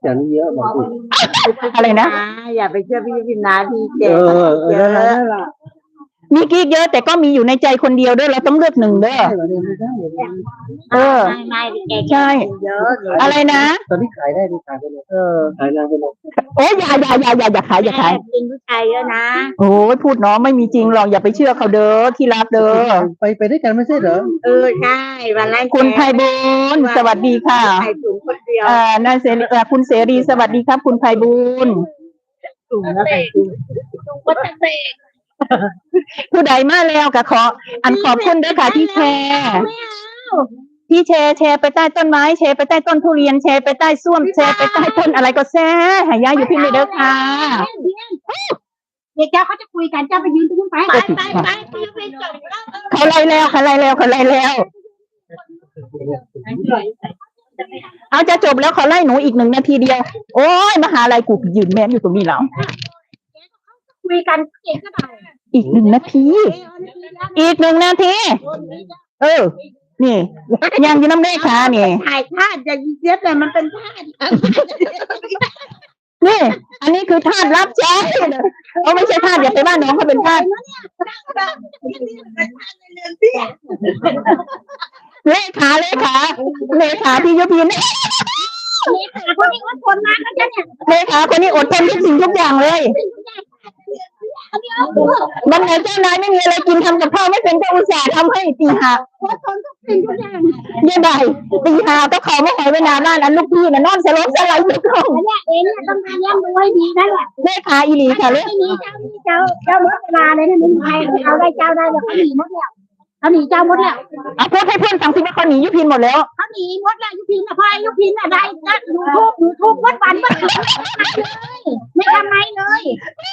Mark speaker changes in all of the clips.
Speaker 1: อย่างนี้เยอะบอกอีก
Speaker 2: อะไรนะ
Speaker 3: อย่าไปเชื่อพี่พิมนาพี่เจ๊
Speaker 1: นั่นแหละ
Speaker 2: มีกิ๊กเยอะแต่ก็มีอยู่ในใจคนเดียวด้วยเราต้องเลือกหนึ่งเด้อเออ
Speaker 3: ไม่
Speaker 2: ใช่
Speaker 3: เยอะ
Speaker 2: อะไรนะ
Speaker 1: ตอนนี้ขายได้ดีขายไปเลยขายนานไปเลย
Speaker 2: โอ้ยอย่าขายอย่าขาย
Speaker 3: กินผู้ชายเยอะนะ
Speaker 2: โอ้ยพูดเนาะไม่มีจริงหรอกอย่าไปเชื่อเขาเด้อที่รักเด้อ
Speaker 1: ไปด้วยกันไม่ใช่เหรอ
Speaker 3: ใช่วันแรก
Speaker 2: คุณไพบูลย์สวัสดีค่ะ
Speaker 3: ใส่ถุงคนเดียวน
Speaker 2: ายเสรีคุณเสรีสวัสดีครับ คุณไพบูลย์
Speaker 3: ถุงแล้วใส่ถุงวัตเตก
Speaker 2: ผู้ใดมาแล้วก็ขอบคุณด้วยค่ะที่แชร์ที่แชร์ไปใต้ต้นไม้แชร์ไปใต้ต้นทุเรียนแชร์ไปใต้ส้วมแชร์ไปใต้ต้นอะไรก็แซ่หายาอยู่พี่เลยเด้อค่ะ
Speaker 3: เด็กเจ้าเขาจะคุยกันเจ้าไปยืนตรงนู้นไปไปจบแล้ว
Speaker 2: เขาไล่แล้วเอาจะจบแล้วเขาไล่หนูอีก1 นาทีเดียวโอ้ยมหาลัยกูยืนแม่นอยู่ตรงนี้แล้ว
Speaker 3: คุยกันเก่งก็ได้
Speaker 2: อีก1 นาที อีก1 นาที นี่ยังอยู่น้ำเลขานี่
Speaker 3: ถ่ายธาตุอย่ายิงเสียแต่มันเป็นธาตุ
Speaker 2: นี่ อันนี้คือธาตุรับใช้ไม่ใช่ธาตุอย่าไปบ้านน้องเขาเป็นธาตุเลขาพี่ยุพิน
Speaker 3: คนนี้อดทนมากนะเนี่ย
Speaker 2: เลขาคนนี้อดทนทุกสิ่งทุกอย่างเลยวันไหนเจ้านายไม่มีอะไรกินทำกับข้าวไม่เป็นก็อุตส่าห์ทำให้ตีหา
Speaker 3: อดทนทุกสิ่งทุกอย่าง
Speaker 2: ยังไงตีหาก็เขาไม่หอยเวลาบ้านนั้นลูกพี่น่ะนอนสลบสลายอยู่ตรง
Speaker 3: เนี่ยเองเนี่ยต้องพยายามดูให้ดีนั่นแหละ
Speaker 2: เลขาอีหลีค่ะเลย
Speaker 3: ไม่มีเจ้าหมดเวลาเลยนะไม่มีใครเอาได้เจ้าได้แล้วเขาหนีหมดแล้วเขาหนีเจ้าหมดแล้ว
Speaker 2: เอาพูดให้เพื่อนฟังสิว่าเขาหนียุพินหมดแล้ว
Speaker 3: เขาหนีหมดแล้วยุพินอะพอยุพินอะไรก็ยูทูบวัดวันไม่ทำไมเลย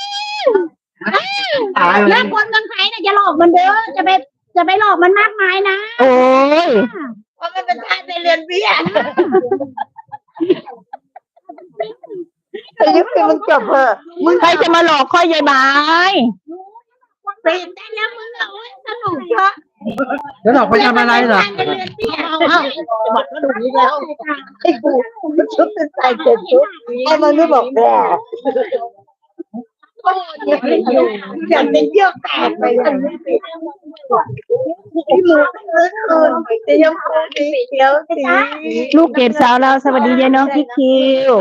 Speaker 3: แล้วคนเมืองไทยน่ะอย่าหลอกมันเด้อจะไปหลอกมันมากมายนะ
Speaker 2: โอ้ย
Speaker 3: เพราะมันเป็นทาสในเรือนเบี้ย
Speaker 2: ยุพินมึงจบเถอะมึงใครจะมาหลอกค่อยยายบาย
Speaker 3: ตื่นได้แล้วมึงเอาสนุกเยอะ
Speaker 1: แล้วเราไปทำอะไรเหรอ
Speaker 3: ในเรือนเบี้ยจะบอกว่าดูนี้แล้วไอ้กูมันชุดเป็นใส่เจ็ดชุดไอ้มันไม่บอกแก่อย่างเป็นเยื่อแตกไปเลยที่มือจะยังคงสีเขียวสี
Speaker 2: ลูกเกดสาวเราสวัสดียายน้องพี่คิว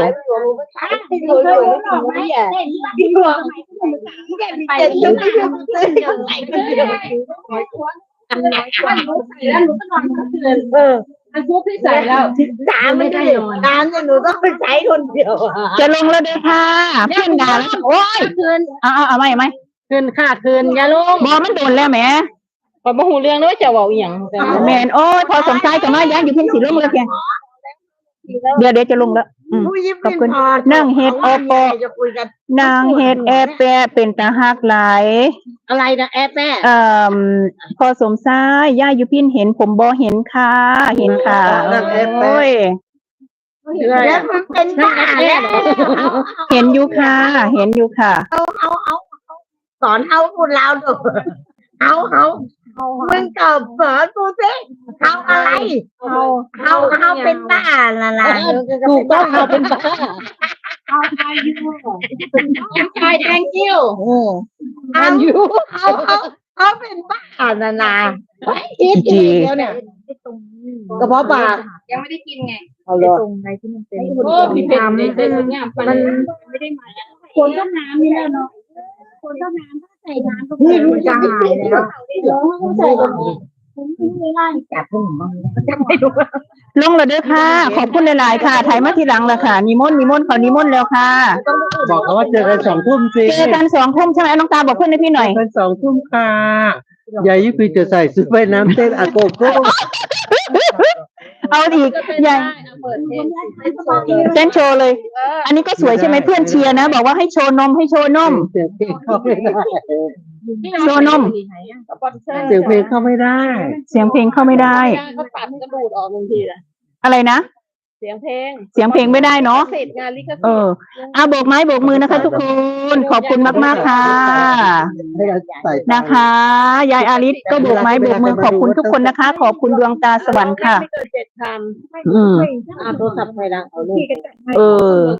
Speaker 3: อันพวกที่ใส่แล้วตามไม่ได้ตามเนี่ยหนูต้องไปใช้คนเดียว
Speaker 2: จะลงแล้วเด้อค่ะเพื่อนด่าแล้วโอ้ย
Speaker 3: คืน
Speaker 2: เอาไหม
Speaker 3: คืนค่ะคืนยาลูก
Speaker 2: บอมันโดนแล้วแหม
Speaker 3: พอมาหูเรื่องแล้วจะบอกอย่าง
Speaker 2: แมนโอ้ยพอสมใจกับมาย้ายอยู่เพียงสีลงเลยเพียงเดี๋ยวจะลงแล้วขอบคุณนั่งเฮ็ดโอปอนางเฮ็ดแอปแปะเป็นตาหักหลาย
Speaker 3: อะไรนะแอปแม่
Speaker 2: พอสมซ้ายย่าอยู่พินเห็นผมบอเห็นค่ะเห็นค่ะโอ้ย
Speaker 3: แล้วมันเป็นบ้าแล้ว
Speaker 2: เห็นอยู่ค่ะ
Speaker 3: สอนเอาพูดเราดูเอามึงตอบสอนกูสิเอาอะไรเอาเป็นบ้าอะไรกูก็เอาเป็นบ้าเอาใครแทงกิ้วเอาเป็นบ้านาคิดเดียวเนี่ยกระเพาะปลายังไม่ได้กินไงเอาเลยตรงไหนที่มันเป็นมีน้ำมันไม่ได้มาคนต้มน้ำนี่แหละเนาะคนต้มน้ำถ้าใส่น้ำก็มันจะหายแล้วใส่ไม่ได้จับผม
Speaker 2: ลงแล้วเด้อค่ะขอบคุณหลายๆค่ะถ่ายมาทีหลังละค่ะนิมนต์ขอนิมนต์แล้วค่ะ
Speaker 1: บอกเขาว่าเจอกัน2 ทุ่มสิ
Speaker 2: เจอกัน2 ทุ่มใช่ไหมน้องตาบอกเพื่อนให้พี่หน่อย
Speaker 1: กัน2 ทุ่มค่ะยายยุพินจะใส่ชุดว่ายน้ำเต้นอาโกโก้
Speaker 2: เอาอีกอย่างเต้นโชว์เลย อันนี้ก็สวยใช่ไหมเพื่อนเชียร์นะบอกว่าให้โชว์นม
Speaker 1: เสียงเพลงเข้าไม่ได้
Speaker 2: โชว์นม
Speaker 1: เสียงเพลงเข้าไม่ได้
Speaker 2: เสียงเพลงเข้าไม่ได้
Speaker 3: เขาตัดกระดูดออกบางทีนะ
Speaker 2: อะไรนะ
Speaker 3: เสียงเพลง
Speaker 2: ไม่ได้เนาะ
Speaker 3: เสร็จงานลิขสิทธิ์
Speaker 2: โบกไม้โบกมือนะคะ ทุกคนขอบคุณมากๆค่ะนะคะยายอาริสก็โบกไม้โบกมือขอบคุณทุกคนนะคะ ขอบคุณดวงตาสวรรค์ค่ะ
Speaker 3: ไม่เกิน7 คำโทรศัพท์ใครดังเอาเลย